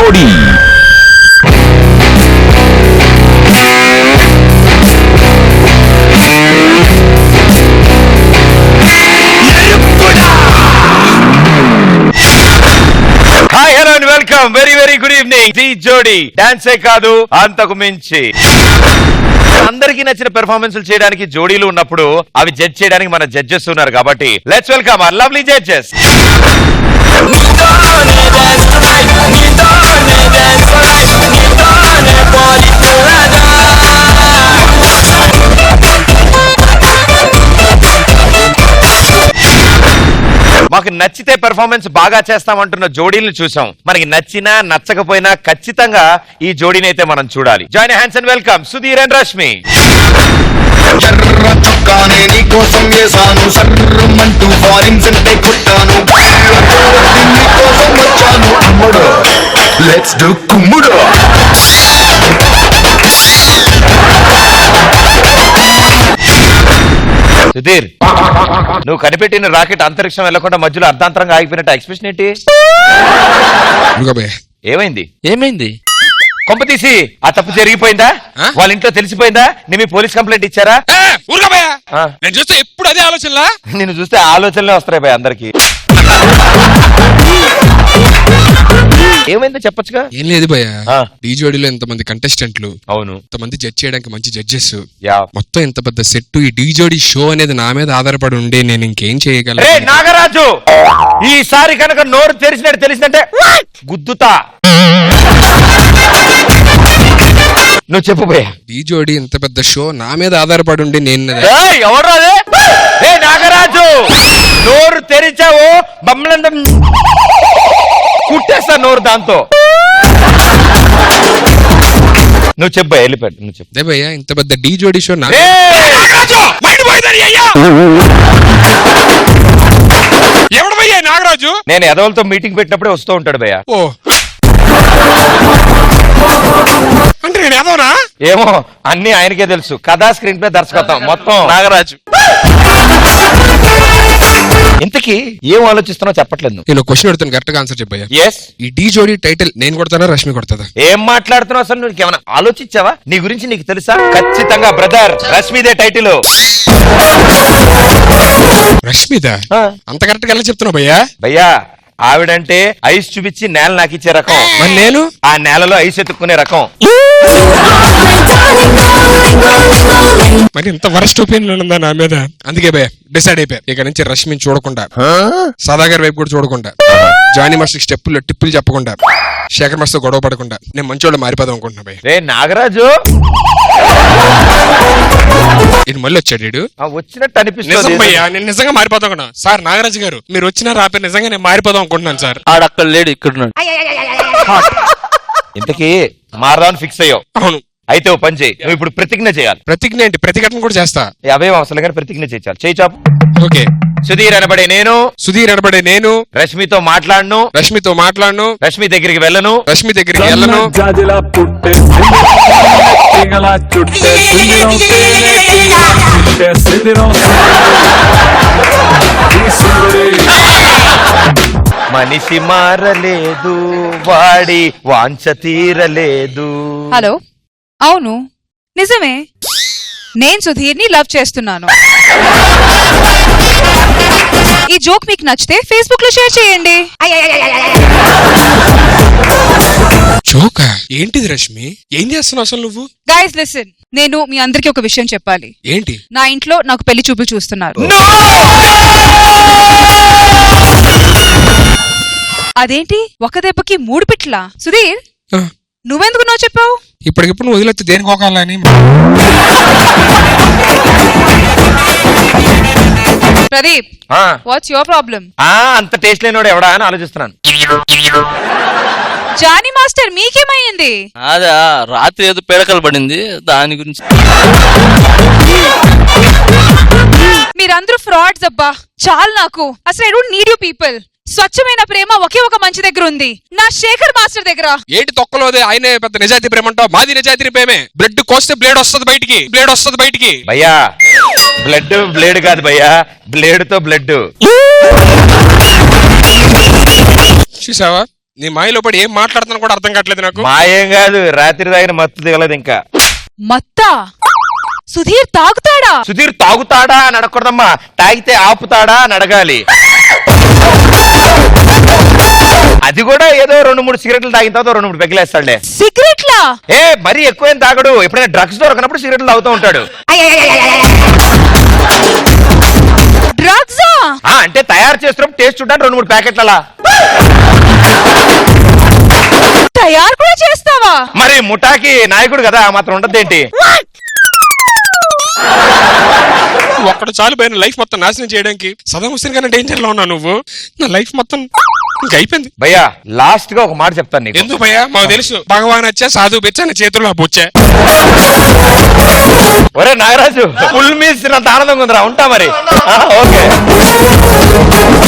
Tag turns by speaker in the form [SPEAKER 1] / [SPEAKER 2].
[SPEAKER 1] జోడీ. Hi hello and welcome. Very very good evening. Dhee Jodi డాన్సే కాదు అంతకు మించి. అందరికీ నచ్చిన పెర్ఫార్మెన్స్ చేయడానికి జోడీలు ఉన్నప్పుడు అవి జడ్జ్ చేయడానికి మన జడ్జెస్ ఉన్నారు కాబట్టి let's welcome our lovely judges. మాకు నచ్చితే పెర్ఫార్మెన్స్ బాగా చేస్తామంటున్న జోడీలను చూసాం. మనకి నచ్చినా నచ్చకపోయినా ఖచ్చితంగా ఈ జోడీని అయితే మనం చూడాలి. Join hands and welcome Sudheer and Rashmi.
[SPEAKER 2] ఎర్ర చొక్కానే నీకోసం వేసాను, సర్రమంటూ ఫారిన్ సెంటే కొట్టాను, నీకోసం వచ్చాను అమ్ముడు, లెట్స్ డు కుమ్ముడు.
[SPEAKER 1] సుధీర్, నువ్వు కనిపెట్టిన రాకెట్ అంతరిక్షం వెళ్లకుండా మధ్యలో అర్ధాంతరంగా ఆగిపోయినట్టు ఎక్స్ప్రెషన్ ఏంటి? ఏమైంది? కొంప తీసి ఆ తప్పు జరిగిపోయిందా? వాళ్ళ ఇంట్లో తెలిసిపోయిందా? మీ పోలీస్ కంప్లైంట్ ఇచ్చారా?
[SPEAKER 3] నేను చూస్తే ఎప్పుడు అదే ఆలోచనలా.
[SPEAKER 1] నిన్ను చూస్తే ఆలోచనలే వస్తాయి భయ అందరికి. ఏమైందో చెప్పొచ్చుగా.
[SPEAKER 3] ఏం లేదు భయ, ఈ జోడీలో ఎంతమంది కంటెస్టెంట్లు,
[SPEAKER 1] అవును
[SPEAKER 3] ఎంతమంది జడ్జ్ చేయడానికి మంచి జడ్జెస్,
[SPEAKER 1] యా
[SPEAKER 3] మొత్తం ఎంత పెద్ద సెట్. ఈ డీ జోడీ షో అనేది నా మీద ఆధారపడి ఉండే నేను ఇంకేం చేయగలను.
[SPEAKER 1] నాగరాజు, ఈసారి కనుక నోరు తెలిసినట్టే గుద్దుతా. నువ్వు చెప్పు భయ్యా.
[SPEAKER 3] ఈ జోడీ ఇంత పెద్ద షో నా మీద ఆధారపడి ఉండి నేను
[SPEAKER 1] ఎవరు నాగరాజు నోరు తెరిచావు బొమ్మలందం కుట్టేస్తా నోరు దాంతో. నువ్వు చెప్పు వెళ్ళిపోయాడు. నువ్వు చెప్పు.
[SPEAKER 3] అదే భయ్యా, ఇంత పెద్ద డీ జోడీ షో ఎవడు భయ్యా నాగరాజు?
[SPEAKER 1] నేను ఎదవలతో మీటింగ్ పెట్టినప్పుడే వస్తూ ఉంటాడు భయ్యా.
[SPEAKER 3] ఓ అంటే నేను ఎదవనా?
[SPEAKER 1] ఏమో అన్ని ఆయనకే తెలుసు. కథా స్క్రీన్ ప్లే దర్శకత్వం మొత్తం నాగరాజు. ఇంతకీ ఏం ఆలోచిస్తున్నావు చెప్పట్లేదు.
[SPEAKER 3] నేను క్వశ్చన్ అడుగుతాను, కరెక్ట్ గా ఆన్సర్ చెప్పయ్యా.
[SPEAKER 1] yes
[SPEAKER 3] ఈ డీ జోడీ టైటిల్ నేను కొడతానా రష్మి కొడతాదా?
[SPEAKER 1] ఏం మాట్లాడుతున్నావు అసలు? నువ్వు ఏమైనా ఆలోచించావా? నీ గురించి నీకు తెలుసా? ఖచ్చితంగా బ్రదర్ రష్మిదే టైటిల్.
[SPEAKER 3] రష్మిదా? అంత కరెక్ట్ గా ఎలా చెప్తున్నావు భయ్యా?
[SPEAKER 1] భయ్యా ఆవిడంటే ఐస్ చూపించి నేల నాకు ఇచ్చే రకం,
[SPEAKER 3] మరి నేను
[SPEAKER 1] ఆ నేలలో ఐస్ ఎత్తుక్కునే రకం.
[SPEAKER 3] మరి ఇంత వరస్ట్ ఒపీనియన్ ఉందా నా మీద? అందుకే భయ డిసైడ్ అయిపోయా, ఇక నుంచి రష్మిని చూడకుండా, సదాగర్ వైపు కూడా చూడకుండా, జానీ మాస్టర్ స్టెప్పుల్లో టిప్పులు చెప్పకుండా, శేఖర్ మాస్టర్ గొడవ పడకుండా నేను మంచోళ్ళు మారిపోదాం అనుకుంటున్నా భయ.
[SPEAKER 1] రే నాగరాజు,
[SPEAKER 3] ఇది మళ్ళీ వచ్చాడు
[SPEAKER 1] వచ్చినట్టు అనిపిస్తుంది.
[SPEAKER 3] నేను నిజంగా మారిపోదాం అనుకున్నా సార్. నాగరాజు గారు మీరు వచ్చినా రాపే నిజంగా నేను మారిపోదాం అనుకుంటున్నాను సార్.
[SPEAKER 4] ఆడక్కడ లేడు, ఇక్కడ.
[SPEAKER 1] ఇంతకీ మారదాన్ని ఫిక్స్ అయ్యావు?
[SPEAKER 3] అవును.
[SPEAKER 1] అయితే ఓ పని చేయి, నువ్వు ఇప్పుడు ప్రతిజ్ఞ చేయాలి.
[SPEAKER 3] ప్రతిజ్ఞ ఏంటి? ప్రతిఘటన కూడా చేస్తా.
[SPEAKER 1] అవేం అవసరం కానీ ప్రతిజ్ఞ చేయాలి. చేయి చాపు.
[SPEAKER 3] ఓకే.
[SPEAKER 1] సుధీర్ అనబడే నేను రష్మితో మాట్లాడను, రష్మి దగ్గరికి వెళ్ళను, మనిషి మారలేదు, వాడి వాంఛ తీరలేదు.
[SPEAKER 5] హలో, అవును నిజమే, నేను సుధీర్ని లవ్ చేస్తున్నాను. ఈ జోక్ మీకు నచ్చితే ఫేస్బుక్ లో షేర్ చేయండి.
[SPEAKER 3] జోకా? ఏంటిది రష్మి? ఏం చేస్తున్నావు అసలు నువ్వు?
[SPEAKER 5] గైస్ లిసన్, నేను మీ అందరికి ఒక విషయం చెప్పాలి.
[SPEAKER 3] ఏంటి?
[SPEAKER 5] నా ఇంట్లో నాకు పెళ్లి చూపులు చూస్తున్నారు. అదేంటి ఒక దెబ్బకి 3 పిట్లా? సుధీర్ నువ్వెందుకు నో చెప్పావు?
[SPEAKER 3] ఇప్పటికిప్పుడు నువ్వు వదిలేస్తే దేనికి పోకాలని.
[SPEAKER 5] Pradeep, what's your problem?
[SPEAKER 1] అంత టేస్ట్ లేనోడు ఎవడా అని ఆలోచిస్తున్నాను.
[SPEAKER 5] జానీ మాస్టర్ మీకేమైంది?
[SPEAKER 4] అదా రాత్రి ఏదో పేడకలు పడింది, దాని గురించి.
[SPEAKER 5] మీరందరూ ఫ్రాడ్స్ అబ్బా, చాలు నాకు. అసలు I don't need you people. స్వచ్ఛమైన ప్రేమ ఒకే ఒక మంచి దగ్గర ఉంది, నా శేఖర్ మాస్టర్ దగ్గర.
[SPEAKER 3] ఏంటి తొక్కలోదే? ఆయనే పెద్ద నిజాయితీ ప్రేమ అంటావు? మాది నిజాయితీ ప్రేమే. బ్లడ్ కోస్తే బ్లేడ్ వస్తుంది బయటికి.
[SPEAKER 1] భయ్యా బ్లేడ్ కాదు భయ్యా, బ్లేడ్ తో బ్లడ్.
[SPEAKER 3] చూసావా నీ మాయలో పడి ఏం మాట్లాడుతున్నా కూడా అర్థం కావట్లేదు నాకు.
[SPEAKER 1] మాయేం కాదు, రాత్రి తాగిన మత్తు దిగలేదు ఇంకా.
[SPEAKER 5] మత్తా సుధీర్ తాగుతాడా?
[SPEAKER 1] సుధీర్ తాగుతాడా అని అడగకూడదమ్మా, తాగితే ఆపుతాడా అని అడగాలి. అది కూడా ఏదో 2-3 సిగరెట్లు తాగిన తర్వాత 2-3 పెగ్గలేస్తాడులే.
[SPEAKER 5] సిగరెట్లా?
[SPEAKER 1] ఏ మరీ ఎక్కువేం తాగడు, ఎప్పుడైనా డ్రగ్స్ దొరకనప్పుడు సిగరెట్లు తాగుతూ ఉంటాడు.
[SPEAKER 5] డ్రగ్సా?
[SPEAKER 1] అంటే తయారు చేస్తున్నప్పుడు టేస్ట్ చూడడానికి 2-3 ప్యాకెట్లు అలా.
[SPEAKER 5] తయారు కూడా చేస్తావా?
[SPEAKER 1] మరి ముఠాకి నాయకుడు కదా, మాత్రం ఉండదేంటి?
[SPEAKER 3] ఒక్కడు చాలు భయ లైఫ్ మొత్తం నాశనం చేయడానికి. సదాం హుస్సేన్ గానే డేంజర్ లో ఉన్నావు నువ్వు. నా లైఫ్ మొత్తం ఇంకా అయిపోయింది.
[SPEAKER 1] భయ్యా లాస్ట్ గా ఒక మాట చెప్తాను నీకు.
[SPEAKER 3] ఎందుకు భయ్యా? మాకు తెలుసు భగవాన్ వచ్చా సాధువు బెచ్చా నీ చేతుల్లో బొచ్చా.
[SPEAKER 1] ఒరే నాగరాజు, ఫుల్ మీల్స్ ఆనందంగా ఉందిరా, ఉంటా మరి. ఓకే.